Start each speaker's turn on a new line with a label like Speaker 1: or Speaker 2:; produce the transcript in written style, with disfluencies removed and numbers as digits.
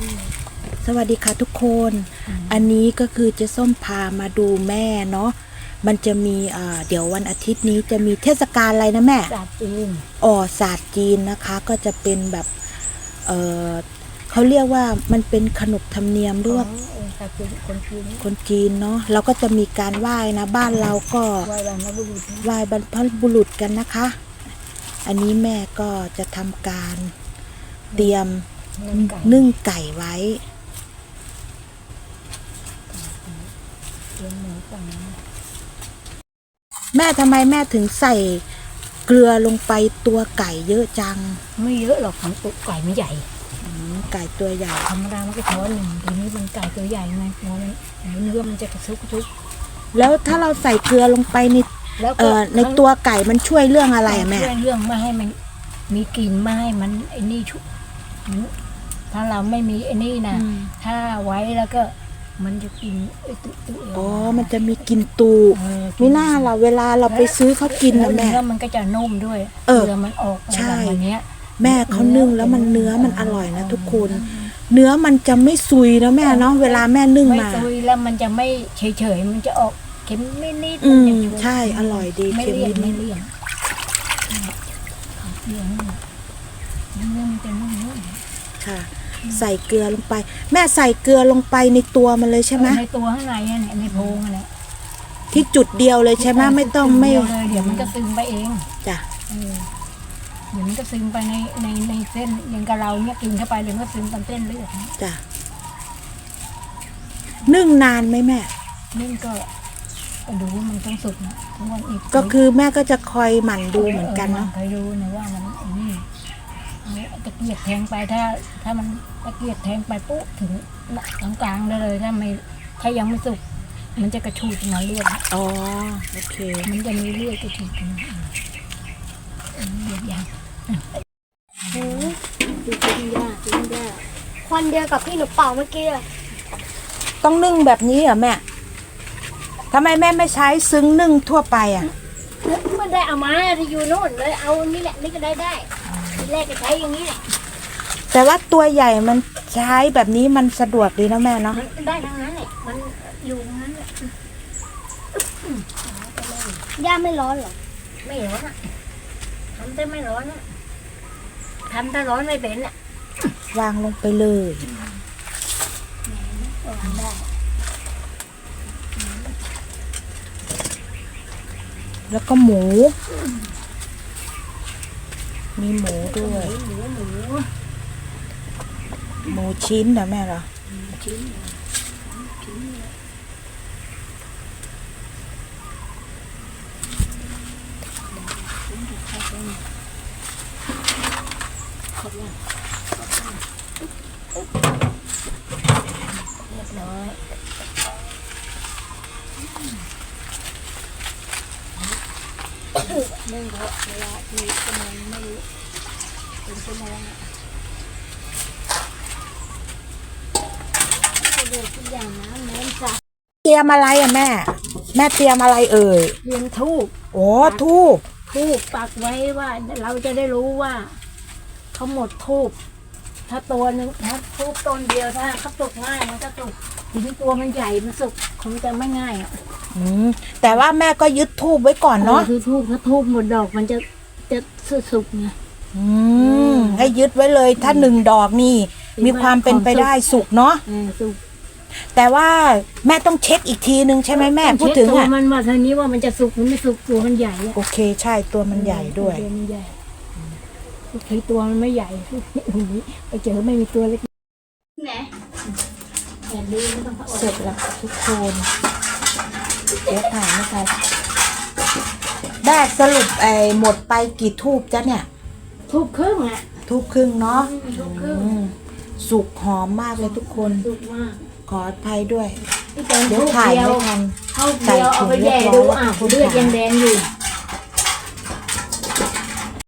Speaker 1: สวัสดีค่ะทุกคน อันนี้ก็คือเจ๊ส้มพามาดูแม่เนาะมันจะมีเดี๋ยววันอาทิตย์นี้จะมีเทศกาลอะไรนะแม่
Speaker 2: ศาสตร์จีน
Speaker 1: ศาสตร์จีนนะคะก็จะเป็นแบบเขาเรียกว่ามันเป็นขนบธรรมเนียมด้วยคนจีนเนาะเราก็จะมีการไหว้นะบ้านเราก็ไหว้บรรพบุรุษกันนะคะ อันนี้แม่ก็จะทำการเตรียมนึ่งไก่ไว้แม่ทำไมแม่ถึงใส่เกลือลงไปตัวไก่เยอะจัง
Speaker 2: ไม่เยอะหรอกของตัวไก่ไม่ใหญ่
Speaker 1: ไก่ตัวใหญ่
Speaker 2: ธรรมดามันก็ช้อนหนึ่งทีนี้มันไก่ตัวใหญ่ไงเนื้อมันจะกระซุก
Speaker 1: แล้วถ้าเราใส่เกลือลงไปในตัวไก่มันช่วยเรื่องอะไรแม่
Speaker 2: ช่วยเรื่องไม่ให้มันมีกลิ่นไม่ให้มันไอ้นี่ชุบถ้าเราไม่มีไอ้นี่นะถ้าไว้แล้วก็มันจะกิน
Speaker 1: อ๋อมันจะมีกลิ่นตูไม่น่าเราเวลาเราไปซื้อเขากินนะแม่
Speaker 2: เนื้อมันก็จะนุ่มด้วยเกลือมันออก
Speaker 1: ใช่
Speaker 2: วันนี้
Speaker 1: แม่เขานึ่งแล้วมันเนื้อมันอร่อยนะทุกคนเนื้อมันจะไม่ซุยนะแม่เนาะเวลาแม่นึ่งมา
Speaker 2: ไม่ซุยแล้วมันจะไม่เฉยมันจะออกเค็มนิด
Speaker 1: ใช่อร่อยดี
Speaker 2: เค็มนิดไม่เลี่ยนมันจะนุ่ม
Speaker 1: ค่ะใส่เกลือลงไปแม่ใส่เกลือลงไปในตัวมันเลยใช่ไหม
Speaker 2: ในตัวข้างในเนี่ยในโพรงอะไร
Speaker 1: ที่จุดเดียวเลยใช่ไหมไม่ต้องไม่
Speaker 2: เดี๋ยวมันก็ซึมไปเอง
Speaker 1: จ้ะ
Speaker 2: เดี๋ยวมันก็ซึมไปในเส้นอย่างกับเราเนี่ยกินเข้าไปเดี๋ยวมันก็ซึมตามเส้นเลือด
Speaker 1: จ้ะนึ่งนานไหมแม่
Speaker 2: นึ่งก็ดูว่ามันต้องสุกนะทุกวันอีก
Speaker 1: ก็คือแม่ก็จะคอยหมั่นดูเหมือนกันเนาะ
Speaker 2: คอยดูนะว่ามันนี่ตะเกียบแทงไปถ้ามันตะเกียบแทงไปปุ๊บถึงกลางเลยถ้ายังไม่สุกมันจะกระชูดมาเลือด
Speaker 1: อ๋อโอเค
Speaker 2: มันจะมีเลือดกระชูดกันเลือดยาง
Speaker 3: ดูกินยาควันเดียวกับที่หนูเป่าเมื่อกี้เลย
Speaker 1: ต้องนึ่งแบบนี้เหรอแม่ทำไมแม่ไม่ใช้ซึ้งนึ่งทั่วไปอ่ะ
Speaker 3: มันได้เอามาที่อยู่โน่นเลยเอานี่แหละนี่ก็ได้ทีแรกก็ใช้อย่างนี้แหละ
Speaker 1: แต่ว่าตัวใหญ่มันใช้แบบนี้มันสะดวกดีนะแม่เนาะ
Speaker 3: ได้ทั้งนั้นแหละมันอยู่ทั้งนั้นแหละย่าไม่ร้อนหรอ
Speaker 2: ไม่ร้อนอ่ะทำแต่ไม่ร้อนอ่ะทำแต่ร้อนไม่เป็นอ่ะ
Speaker 1: วางลงไปเลยแล้วก็หมูมีหมูด้วยหมูชิ้นนะแม่เหรอ
Speaker 2: เรียบร้อยเรื่องเขาเวลาที่กำลังไม่เป็นชั่วโมงเดือดทุกอย่างนะเน้นจ้ะ
Speaker 1: เตรียมอะไรอ่ะแม่เตรียมอะไรเอ่ย
Speaker 2: เตรียมธูป
Speaker 1: โอ้ธูป
Speaker 2: ปักไว้ว่าเราจะได้รู้ว่าเขาหมดธูปถ้าตัวนึงถ้าธูปต้นเดียวถ้าเขาสุกง่ายมันก็สุกทีนี้ตัวมันใหญ่มันสุกคงจะไม่ง่ายอ่ะ
Speaker 1: แต่ว่าแม่ก็ยึดธูปไว้ก่อนเนาะ
Speaker 2: คือธูปถ้าธูปหมดดอกมันจะสุกไง
Speaker 1: ให้ยึดไว้เลยถ้า1 ดอกนี่มีความเป็นไปได้สุกเนาะ
Speaker 2: สุก
Speaker 1: แต่ว่าแม่ต้องเช็คอีกทีนึงใช่ไหมแม่พูดถึง
Speaker 2: อ่ะมันว่าทีนี้ว่ามันจะสุกหรือไม่สุกตัวมันใหญ่
Speaker 1: โอเคใช่ตัวมันใหญ่ด้วย
Speaker 2: ตัวมันใหญ่โอเคตัวมันไม่ใหญ่ไปเจอไม่มีตัวเล็ก
Speaker 3: ไหน
Speaker 1: เสร็จแล้วทุกคนเดี๋ยวถ่ายไม่ทันได้สรุปหมดไปกี่ทูบจ้ะเนี่ย
Speaker 2: ทูบครึ่งอ่ะ
Speaker 1: ทูบครึ่งเนาะ
Speaker 2: ทูบครึ่ง
Speaker 1: สุกหอมมากเลยทุกคน
Speaker 2: สุกมาก
Speaker 1: ขออภัยด้วย
Speaker 2: เดี๋ยวถ่ายไม่ทันใส่ถุงเอาไปแย่ดูเลือดยังแดงอยู่